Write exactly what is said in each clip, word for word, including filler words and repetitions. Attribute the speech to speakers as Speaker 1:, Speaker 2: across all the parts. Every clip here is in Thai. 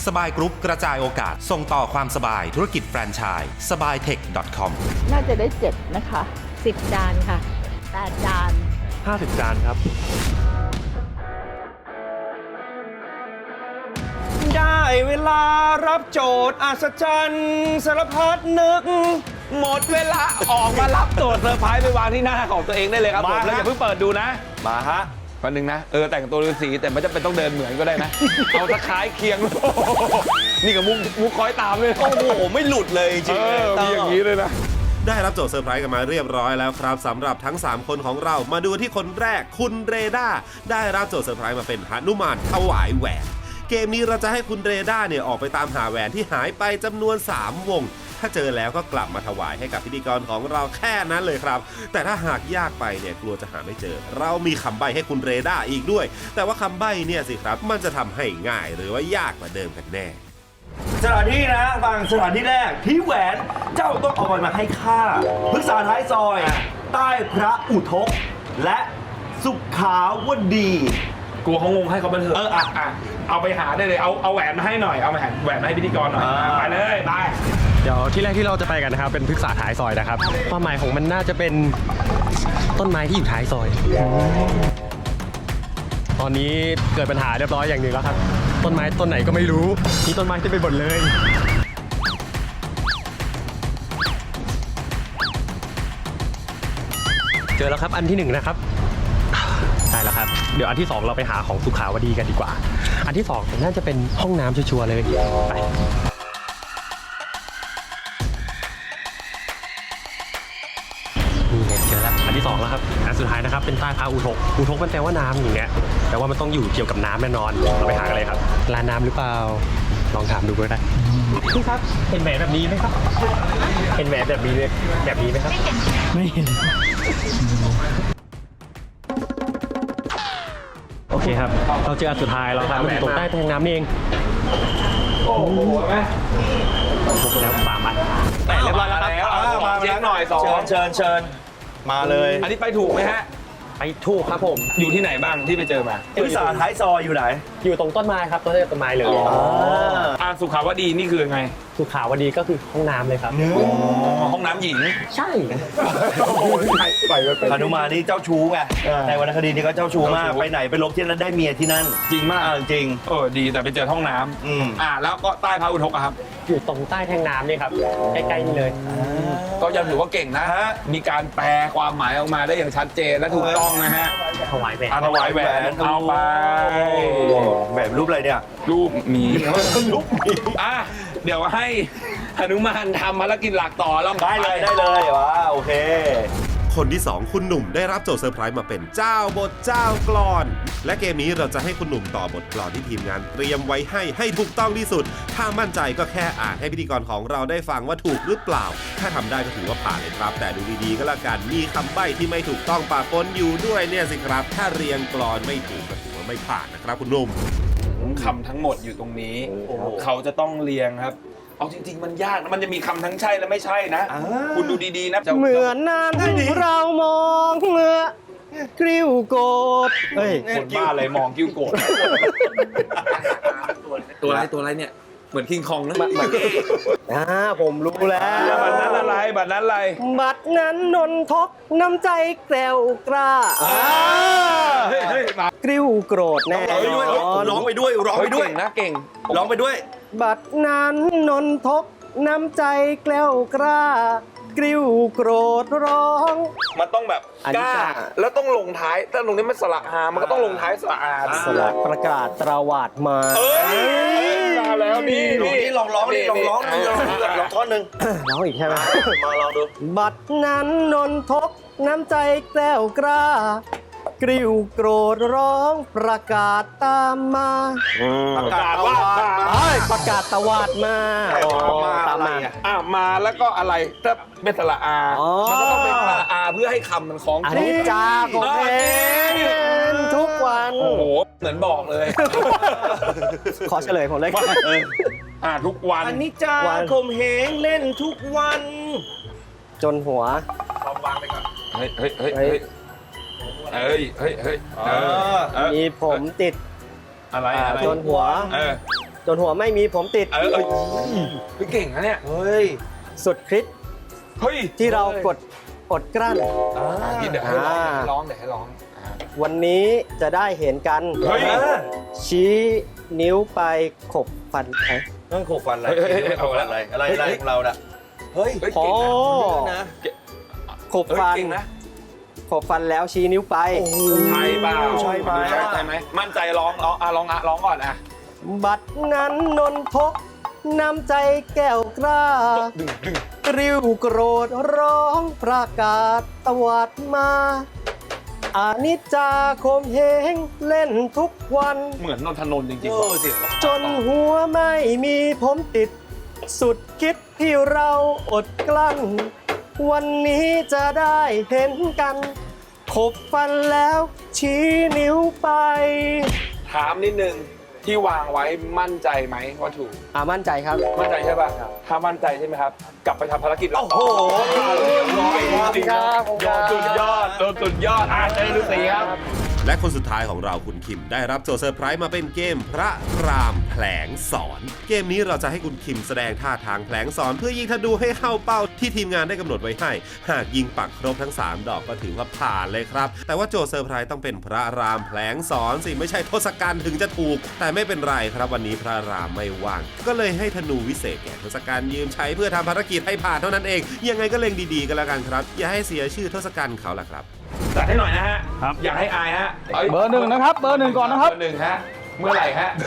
Speaker 1: สบายกรุ๊ปกระจายโอกาสส่งต่อความสบายธุรกิจแฟรนไชส์ สบายเทค ดอท คอม
Speaker 2: น่าจะได้เจ็ดนะคะ
Speaker 3: สิบจานค่ะ
Speaker 2: แปดจาน
Speaker 4: ห้าสิบจานครับได้เวลารับโจทย์อัศจรรย์สารพัดนึกหมดเวลาออกมารับโจทย์เซอร์ไพรส์ไปวางที่หน้าของตัวเองได้เลยครับผมแล้วอย่าเพิ่งเปิดดูนะมาฮะวันหนึ่งนะเออแต่งตัวฤาษีแต่ไม่จำเป็นต้องเดินเหมือนก็ได้นะเอาตะคล้ายเคียงนี่กับมุกมุกคอยตามเลยโอ้โหไม่หลุดเลยจริงๆมีอย่างนี้เลยนะ
Speaker 1: ได้รับโจทย์เซอร์ไพรส์กันมาเรียบร้อยแล้วครับสำหรับทั้งสามคนของเรามาดูที่คนแรกคุณเรดาได้รับโจทย์เซอร์ไพรส์มาเป็นหนุมานถวายแหวนเกมนี้เราจะให้คุณเรดาเนี่ยออกไปตามหาแหวนที่หายไปจำนวนสามวงถ้าเจอแล้วก็กลับมาถวายให้กับพิธีกรของเราแค่นั้นเลยครับแต่ถ้าหากยากไปเนี่ยกลัวจะหาไม่เจอเรามีคำใบ้ให้คุณเรดาอีกด้วยแต่ว่าคำใบ้เนี่ยสิครับมันจะทำให้ง่ายหรือว่ายากกว่าเดิมกันแน่
Speaker 5: สถานที่นะบางสถานที่แรกที่แหวนเจ้าต้องเอาไปมาให้ข้าพฤกษาท้ายซอยใต้พระอุทกและสุขาวดี
Speaker 4: กลัวเขางงให้เขาบันเทิงเอออ่ะอ่ะเอาไปหาได้เลยเอาเอาแหวนมาให้หน่อยเอาแหวนแหวนมาให้พิธีกรหน่อยไปเลยไป
Speaker 6: เดี๋ยวที่แรกที่เราจะไปกันนะครับเป็นพฤกษาท้ายซอยนะครับความหมายของมันน่าจะเป็นต้นไม้ที่อยู่ท้ายซอยตอนนี้เกิดปัญหาเรียบร้อยอย่างหนึ่งแล้วครับต้นไม้ต้นไหนก็ไม่รู้มีต้นไม้ที่ไปหมดเลยเจอแล้วครับอันที่หนึ่งนะครับได้แล้วครับเดี๋ยวอันที่สองเราไปหาของสุขาวดีกันดีกว่าอันที่สองน่าจะเป็นห้องน้ำชัวร์เลยไปนี่ไงเจอแล้วอันที่สองแล้วครับอันสุดท้ายนะครับเป็นใต้พระอุทกอุทกมันแปลว่าน้ำอย่างเงี้ยแต่ว่ามันต้องอยู่เกี่ยวกับน้ำแน่นอนเราไปหากันเลยครับร้านน้ำหรือเปล่าลองถามดูก็ได้พี่ครับเห็นแหวนแบบนี้ไหมครับเห็นแหวนแบบนี้แบบนี้ไหมครับไม่เห็นโอเคครับเราเจออันสุดท้ายแล้วครับมันอยู่ตรงใต้แทงน้ำนี่เอง
Speaker 4: โอ้โหไหม
Speaker 6: พบแล้วสามอัน
Speaker 4: เรียบร้อยแล้วครับมาเช็คหน่อยสอง
Speaker 5: เชิญเชิญมาเลย
Speaker 4: อันนี้ไปถูกไหมฮะ
Speaker 6: ไปถูกครับผม
Speaker 4: อยู่ที่ไหนบ้างที่ไปเจอมา
Speaker 5: พฤกษาท้ายซอยอยู่ไหน
Speaker 6: อยู่ตรงต้นไม้ครับต้นต้นไม้เลย
Speaker 4: อ่าสุขาวดีนี่คือไง
Speaker 6: สุขาวดีก็คือห้องน้ำเลยครับ
Speaker 4: ห้องน้ำหญิง
Speaker 6: ใช่
Speaker 5: หนุมานนี่เจ้าชู้ไงในวรรณคดีนี่ก็เจ้าชู้มากไปไหนไปลบที่นั่นได้เมียที่นั่น
Speaker 4: จริงมาก
Speaker 5: จริง
Speaker 4: เออดีแต่ไปเจอห้องน้ำ
Speaker 5: อืม
Speaker 4: อ่าแล้วก็ใต้พระอุทกครับ
Speaker 6: อยู่ตรงใต้แทงน้ำนี่ครับใกล้ๆนี่เลย
Speaker 4: ก็ยังถือว่าเก่งนะฮะมีการแปลความหมายออกมาได้อย่างชัดเจนและถูกต้องนะฮะ
Speaker 6: ถวายแหวน
Speaker 4: ถวายแหวนเอาไป
Speaker 5: แหวนรูปอะไรเนี่ย
Speaker 4: รูปหมี
Speaker 5: รูปหมี
Speaker 4: อ่ะเดี๋ยวให้หนุมานทำภารกิจหลักต่อแล้ว
Speaker 5: ได้เลยได้เลยว้าโอเค
Speaker 1: คนที่สองคุณหนุ่มได้รับโจทย์เซอร์ไพรส์มาเป็นเจ้าบทเจ้ากลอนและเกมนี้เราจะให้คุณหนุ่มต่อบทกลอนที่ทีมงานเตรียมไว้ให้ให้ถูกต้องที่สุดถ้ามั่นใจก็แค่อ่านให้พิธีกรของเราได้ฟังว่าถูกหรือเปล่าถ้าทำได้ก็ถือว่าผ่านเลยครับแต่ดูดีๆก็แล้วกันมีคำใบ้ที่ไม่ถูกต้องปะปนอยู่ด้วยเนี่ยสิครับถ้าเรียงกลอนไม่ถูกก็ถือว่าไม่ผ่านนะครับคุณหนุ่ม
Speaker 4: คำทั้งหมดอยู่ตรงนี้เขาจะต้องเรียงครับเอาจริงๆมันยากนะมันจะมีคำทั้งใช่และไม่ใช่นะคุณดูดีๆนะ
Speaker 6: เหมือนนั้นเรามองเมื่อกริ้วโกด
Speaker 4: เฮ้ยคนบ้าอะไรมองกิ้วโกดตัวอะไรตัวอะไรเนี่ยเหมือนคิงคองนะ
Speaker 6: อ่าผมรู้แล้ว
Speaker 4: บัตรนั้นอะไรบัตรนั้นอะไร
Speaker 6: บัตรนั้นนนทกน้ำใจแกล้วกล้ากริ้วโกรธแน่
Speaker 5: ร้องไปด้วยร้องไปด้วย
Speaker 4: นะเก่ง
Speaker 5: ร้องไปด้วย
Speaker 6: บัตรนั้นนนทกน้ำใจแกล้วกล้ากริ้วโกรธร้อง
Speaker 4: มันต้องแบบกล้าแล้วต้องลงท้ายถ้าลงนี้มันสระอามันก็ต้องลงท้ายสระอา
Speaker 6: สระประกาศตราวาดมา
Speaker 4: เอ้ยมาแล้วนี่
Speaker 5: นี่ลองร้องนี่ลองร้องนี่ลองท่อนหนึ่ง
Speaker 6: ร้องอีกใช่ไหม
Speaker 5: มาลองดู
Speaker 6: บัตรนั้นนนทกน้ำใจแกล้วกล้ากริ้วโกรธร้องประกาศตามมา
Speaker 4: ประกาศว่า
Speaker 6: ประกาศตวาดมา
Speaker 4: ตามมาอ่ะมาแล้วก็อะไรถ้าเป็นสระอามันก็ต้องเป็นสระอาเพื่อให้คำมันคล้อง
Speaker 6: อันนี้จ้าผมเองทุกวัน
Speaker 4: โอ้โหเหมือนบอกเลย
Speaker 6: ขอเฉลยผมเลย
Speaker 4: อ่าทุกวัน
Speaker 5: อันนี้จ้าผมเฮงเล่นทุกวัน
Speaker 6: จนหัว
Speaker 4: ลองวางไปก่อนเฮ้ยเฮ้ยเฮ้ยเฮ้ยเฮ้ยเฮ้ยเฮ้ย
Speaker 6: มีผมติด
Speaker 4: อะไร
Speaker 6: จนหัว
Speaker 3: จนหัวไม่มีผมติด
Speaker 4: เออเออพี่เก่งนะเนี่ย
Speaker 5: เฮ้ย
Speaker 3: สุดคลิป
Speaker 4: เฮ้ย
Speaker 3: ที่เรากดอดกลั้น
Speaker 4: อ่าเดี๋ยวให้ร้องเดี๋ยวให้ร้องเดี๋ยวให้ร้องอ่า
Speaker 3: วันนี้จะได้เห็นกัน
Speaker 4: เฮ้ย
Speaker 3: ชี้นิ้วไปขบฟันใคร
Speaker 5: นั่นโขกฟันอะไร
Speaker 4: เฮ้ยเฮ้ยเฮ้ย
Speaker 5: โขกฟันอะไร อะไรอะไรของเราน่ะ เฮ้ย
Speaker 4: เฮ้ย
Speaker 3: อ๋อ
Speaker 4: เก่งนะ
Speaker 3: ขบฟัน
Speaker 4: เก่งนะ
Speaker 3: ขบฟันแล้วชี้นิ้วไป
Speaker 4: ใช่เปล่า
Speaker 5: ใช่ไหม
Speaker 4: ใช่ไหมมั่นใจร้องร้องอ่ะร้องอ่ะร้องก่อนอ่ะ
Speaker 3: บัดนั้นนนทกน้ำใจแก้วกล้า
Speaker 4: ดึงดึง
Speaker 3: ริ้วโกรธร้องประกาศตวัดมาอานิจจาคมเหงเล่นทุกวัน
Speaker 4: เหมือนนนทนนท์จริง
Speaker 5: เอ
Speaker 4: ๆว่ะ
Speaker 5: อเสียง
Speaker 3: จนหัวไม่มีผมติด สุดคิดที่เราอดกลั้น วันนี้จะได้เห็นกัน ขบฟันแล้วชี้นิ้วไป
Speaker 4: ถามนิดนึงที่วางไว้มั่นใจไหมว่าถูก
Speaker 3: อ่ามั่นใจครับ
Speaker 4: มั่นใจใช่ป่ะถ้ามั่นใจใช่ไหมครับ กลับไปทำภารกิจเรา
Speaker 5: โอ้โห
Speaker 4: เรียบร้อยจริงๆ
Speaker 3: ครับ
Speaker 4: ยอดสุดยอดโดนสุดยอดอ่ะเจอฤาษีครับ
Speaker 1: และคนสุดท้ายของเราคุณคิมได้รับโจทย์เซอร์ไพรส์มาเป็นเกมพระรามแผลงสอน เกมนี้เราจะให้คุณคิมแสดงท่าทางแผลงสอนเพื่อยิงธนูให้เข้าเป้าที่ทีมงานได้กำหนดไว้ให้ หากยิงปักครบทั้งสามดอกก็ถือว่าผ่านเลยครับ แต่ว่าโจทย์เซอร์ไพรส์ต้องเป็นพระรามแผลงสอนสิไม่ใช่ทศกัณฐ์ถึงจะถูก แต่ไม่เป็นไรครับวันนี้พระรามไม่ว่าง ก็เลยให้ธนูวิเศษแก่ทศกัณฐ์ยืมใช้เพื่อทำภารกิจให้ผ่านเท่านั้นเองยังไงก็เล็งดีๆกันแล้วกันครับอย่าให้เสียชื่อทศกัณฐ์เขาล่ะครับ
Speaker 4: จัดให้หน่อยนะฮะ
Speaker 7: ครับ
Speaker 4: อย่าให้อายฮะอ้ย
Speaker 7: เบอร์หนึ่งนะครับเบอร์หนึ่งก่อนนะครับ
Speaker 4: เบอร์หนึ่งฮะ เมื่อไหร่ฮะ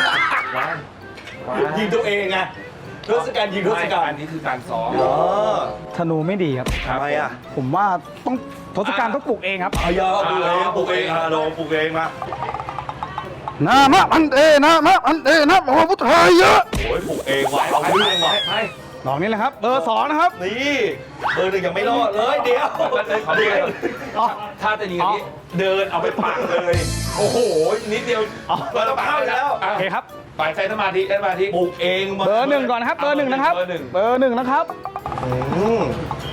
Speaker 5: ยิงตัวเองไงทศกัณฐ์ยิงทศกัณ
Speaker 4: อัน
Speaker 5: ฐ์
Speaker 4: นี้คือการซ้อม
Speaker 5: อ๋อ
Speaker 7: ธนูไม่ดีครับ
Speaker 5: ทำไมอ่ะ
Speaker 7: ผมว่าต้องทศกัณฐ์ต้องปลูกเองครับ
Speaker 5: เอายาปลูกเองปลูกเองอ่ะลองปลูกเองมา
Speaker 7: นามะอันเดนามะอันเดนะพระพุทธายะ
Speaker 5: โอ้ยปลูกเองว่ะเอาเรื่องว่ะ
Speaker 4: ไป
Speaker 7: ดอกนี้แหละครับ เบอร์สองนะครับ
Speaker 5: นี่เบอร์หนึ่งยังไม่รอดเลยเดี๋ยว
Speaker 4: เดี๋ยว
Speaker 7: อ๋อ
Speaker 4: ถ้าจะยิงอันนี้เดินเอาไปปักเลย โอ้โห นิดเดียว
Speaker 7: อ๋อ
Speaker 4: เราต้องเข้าแล้ว
Speaker 7: โอเคครับ
Speaker 4: ไปใช้สมาธิใช้สมาธิ
Speaker 5: ปลูกเอง
Speaker 7: เบอร์หนึ่งก่อนนะครับ เบอร์หนึ่งนะครับ
Speaker 4: เบอร์หนึ่ง
Speaker 7: เบอร์หนึ่งนะครับ
Speaker 5: อืม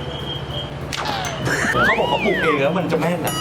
Speaker 5: เขาบอกเขาปลูกเองแล้วมันจะแม่นอ่ะ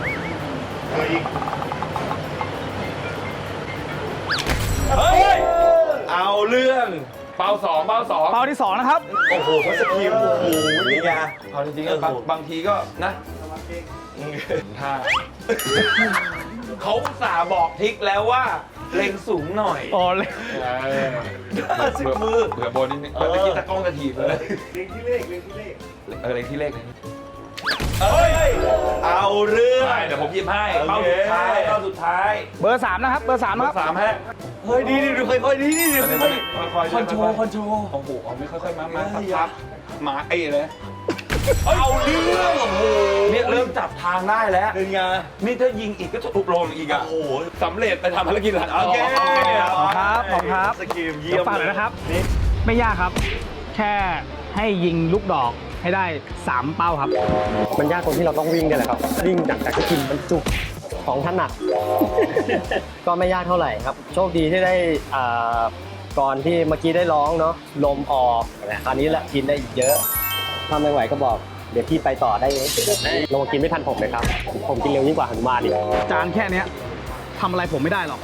Speaker 5: เฮ้ยเอาเรื่อง
Speaker 4: เป้าสองเป้าสอง
Speaker 7: เป้าที่สองนะครับ
Speaker 5: โอ้โหเขาสกิลโอ้โหนี่ไง
Speaker 4: เอาจริงๆก็บางบางทีก็นะท่าเขาอุตส่าห์บอกทิกแล้วว่าเล็งสูงหน่อย
Speaker 7: อ๋อเลย
Speaker 5: สิบมือ
Speaker 4: เผื่อโบนนิดนึงเมื่อกี้ตะกล้องจะถีบเลยเล็งที่เลขเล็งที่เลขเออเล็งที่เลขเลย
Speaker 5: เฮ้ยเอาเรื่อง
Speaker 4: ได้เดี๋ยวผมหยิบให้
Speaker 5: โอ
Speaker 4: เป้า
Speaker 5: เค
Speaker 4: สุดท้ายเป้าสุดท้าย
Speaker 7: เบอร์สามนะครับ เบอร์สาม
Speaker 4: เป้า
Speaker 7: นะครับ
Speaker 4: สามฮะ
Speaker 5: เฮ้ยดีดีดูค่อยๆดีดีดีค่อย
Speaker 4: ค่อยๆ
Speaker 5: คอนโทรลคอนโทรล
Speaker 4: โอ้โหเอาไม่ค่อยๆมามาพับๆมาไอ้เลย
Speaker 5: เอาเรื่องโอ้โห
Speaker 4: เนี่ยเริ่มจับทางได้แล้ว
Speaker 5: เป็นไง
Speaker 4: นี่ถ้ายิงอีกก็จะถูกลงอีกอ่ะ
Speaker 5: โอ้โห
Speaker 4: สำเร็จไปทำภารกิจหลัง
Speaker 5: โอเค
Speaker 7: ขอบคุณครับขอบคุณครับ
Speaker 5: สกิลเยี่
Speaker 7: เดี๋
Speaker 5: ย
Speaker 7: ย
Speaker 5: ม
Speaker 7: วฝากเลยนะครับ ไม่ยากครับ แค่ให้ยิงลูกดอกให้ได้สามเป้าครับ
Speaker 3: มันยากตรงที่เราต้องวิ่งเนี่ยแหละครับ วิ่งจากจากที่กินบรรจุของถนัด ก็ไม่ยากเท่าไหร่ครับ โชคดีที่ได้อ่าก่อนที่เมื่อกี้ได้ร้องเนาะลมออกแต่คราวนี้แหละกินได้อีกเยอะ ถ้าไม่ไหวก็บอก เดี๋ยวพี่ไปต่อได้เองลงมากินไม่ทันผมเลยครับ ผมกินเร็วยิ่งกว่าหนุมานอีก
Speaker 7: จานแค่เนี้ยทำอะไรผมไม่ได้หรอก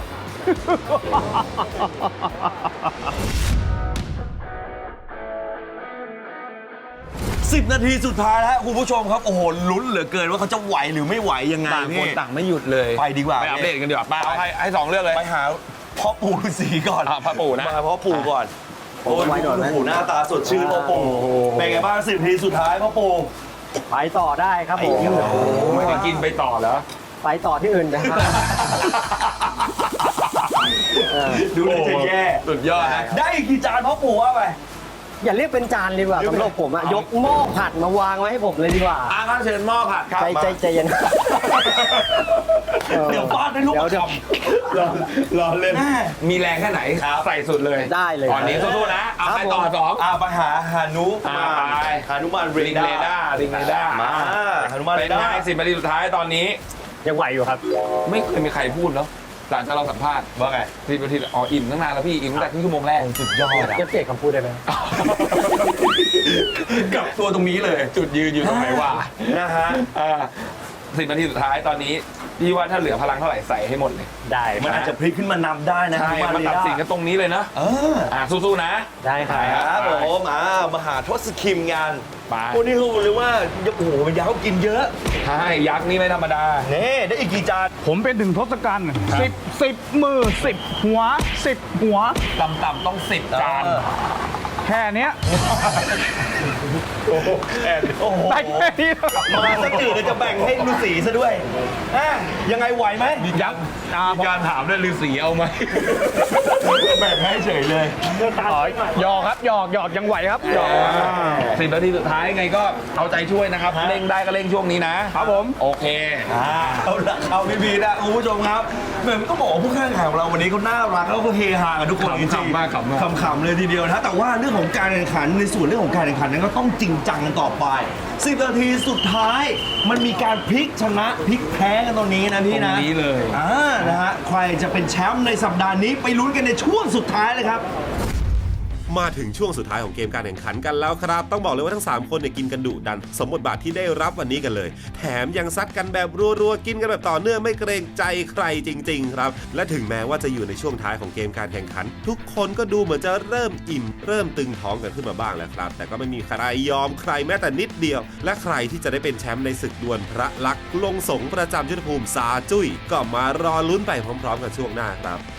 Speaker 5: สิบนาทีสุดท้ายแล้วคุณผู้ชมครับ โอ้โหลุ้นเหลือเกินว่าเขาจะไหวหรือไม่ไหวยังไง
Speaker 4: ต่างคน
Speaker 5: พี่
Speaker 4: ต่างไม่หยุดเลย
Speaker 5: ไปดีกว่า
Speaker 4: ไปอัปเดตกันดีกว่าไปเอาให้ให้สองเรื่องเลย
Speaker 5: ไปหาพ่อปู่ฤาษีก่อน
Speaker 4: อ่ะพ่อปู่นะ
Speaker 5: มาพ่อปู่ก่อน
Speaker 3: ผม
Speaker 5: โอ้ย
Speaker 3: ไว้ก่อน
Speaker 5: โอ้
Speaker 3: นะ
Speaker 5: โหหน้าตาสดชื่นพ่อปู่เป็นไงบ้างสิบนาทีสุดท้ายพ่อปู่
Speaker 3: ไปต่อได้ครับผม
Speaker 4: ไม่ได้กินไปต่อเหรอ
Speaker 3: ไปต่อที่อื่นนะครับ เออ
Speaker 5: ดูเลยจะแย่
Speaker 4: สุดยอดนะ
Speaker 5: ได้อีกกี่จานพ่อปู่ว่าไป
Speaker 3: อย่าเรียกเป็นจานเลยดีกว่าสำหรับผมอะยกหม้อผัดมาวางไว้ให้ผมเลยดีกว่า
Speaker 4: อาครับเชิญหม้อผัดครับ
Speaker 3: ใจใจใจเย็น
Speaker 5: เดี๋ยวฟาดให้ลูก
Speaker 3: เดี๋ยวเดี๋ยว
Speaker 5: รอรอเล่น
Speaker 4: มีแรงแค่ไหนใส่สุดเลย
Speaker 3: ได้เลย
Speaker 4: ตอนนี้สู้ๆนะ เอาไปต่อสอง
Speaker 5: อ่าไปหาหานุ
Speaker 4: อ่าไป
Speaker 5: หานุมานเร
Speaker 4: ริง
Speaker 5: ดา
Speaker 4: เรดาร์ริงเรดาร์
Speaker 5: มาหานุมาน
Speaker 4: เป็
Speaker 5: เร
Speaker 4: น
Speaker 5: ดา
Speaker 4: ไง
Speaker 5: ร์
Speaker 4: สิบนาทีสุดท้ายตอนนี้
Speaker 3: ยังไหวอยู่ครับ
Speaker 4: ไม่เคยมีใครพูดแล้วหลังจากเราสัมภาษณ์
Speaker 5: ว่าไง
Speaker 4: สิบนาทีอ๋ออิ่มตั้งนานแล้วพี่อิ่มตั้งแต่ครึ่งชั่วโมงแรก
Speaker 5: สุดยอดอะ
Speaker 3: จะเปลี่ยนคำพูดได้ไหม
Speaker 4: กับตัวตรงนี้เลย จุดยืนอยู่ตรงไหนวะ
Speaker 5: นะฮะ
Speaker 4: อ่าสิบนาทีสุดท้ายตอนนี้พี่ว่าถ้าเหลือพลังเท่าไหร่ใส่ให้หมดเลย
Speaker 3: ได้
Speaker 5: มันอาจจะพลิกขึ้นมานำได้นะ
Speaker 4: ใช่
Speaker 5: ฮา
Speaker 4: มัน
Speaker 5: เร
Speaker 4: ตัด
Speaker 5: ด้า
Speaker 4: สินกันตรงนี้เลยนะ
Speaker 5: เออ
Speaker 4: อ่ะสู้ๆนะ
Speaker 3: ได้ครั
Speaker 5: ครับ บผมอ่ามาหาทศคิมงาน
Speaker 4: ไป
Speaker 5: โอ้นี่เขาบอกเลยว่าโอ้โหมันยาวกินเยอะ
Speaker 4: ใช่ยักษ์นี่ไม่ธรรมดา
Speaker 5: เน่ได้อีกกี่จาน
Speaker 7: ผมเป็นถึงทศกัณฐ์สิบสิบมือสิบหัวสิบหัว
Speaker 4: ต่ำๆต้องสิบจาน
Speaker 5: เออ
Speaker 7: แค่เนี้ย
Speaker 5: โอ้โห
Speaker 7: ได้แค่นี้
Speaker 5: มาสักตื่นจะแบ่งให้ฤาษีซะด้วยอ่ะยังไงไหวไหม
Speaker 7: ยักษ์อ่า
Speaker 4: มีการถามด้วยฤาษีเอาไหม
Speaker 5: แบ่งให้เฉยเลย
Speaker 7: หยอกครับหยอกหยอกยังไหวครับหยอก
Speaker 4: สิบนาทีสุดท้ายยังไงก็เอาใจช่วยนะครับ
Speaker 5: ฮะ
Speaker 4: เร่งได้ก็เร่งช่วงนี้นะครับ
Speaker 7: ผม
Speaker 4: โอเค
Speaker 5: อ่าเอาละเอาพี่บีนะคุณผู้ชมครับเหมือนต้องบอกว่าผู้แข่งขันของเราวันนี้เขาน่ารักแล้วก็เฮฮากันทุกคนจริง
Speaker 4: ขำๆมากขำมาก
Speaker 5: ขำๆเลยทีเดียวนะแต่ว่าเรื่องของการแข่งขันในส่วนเรื่องของการแข่งขันนั้นก็ต้องจริงจังกันต่อไปสิบนาทีสุดท้ายมันมีการพลิกชนะพลิกแพ้กันตรงนี้นะพี่นะ
Speaker 4: ตรงนี้เลย
Speaker 5: อ่านะฮะใครจะเป็นแชมป์ในสัปดาห์นี้ไปลุ้นกันในช่วงสุดท้ายเลยครับ
Speaker 1: มาถึงช่วงสุดท้ายของเกมการแข่งขันกันแล้วครับ ต้องบอกเลยว่าทั้งสามคนเนี่ยกินกันดุดัน สมบทบาทที่ได้รับวันนี้กันเลย แถมยังซัดกันแบบรัวๆกินกันแบบต่อเนื่องไม่เกรงใจใครจริงๆครับและถึงแม้ว่าจะอยู่ในช่วงท้ายของเกมการแข่งขัน ทุกคนก็ดูเหมือนจะเริ่มอิ่มเริ่มตึงท้องกันขึ้นมาบ้างแล้วครับแต่ก็ไม่มีใครยอมใครแม้แต่นิดเดียว และใครที่จะได้เป็นแชมป์ในศึกดวลพระลักษณ์ลงสงประจำยุทธภูมิซาจุ้ยก็มารอลุ้นไปพร้อมๆกันช่วงหน้าครับ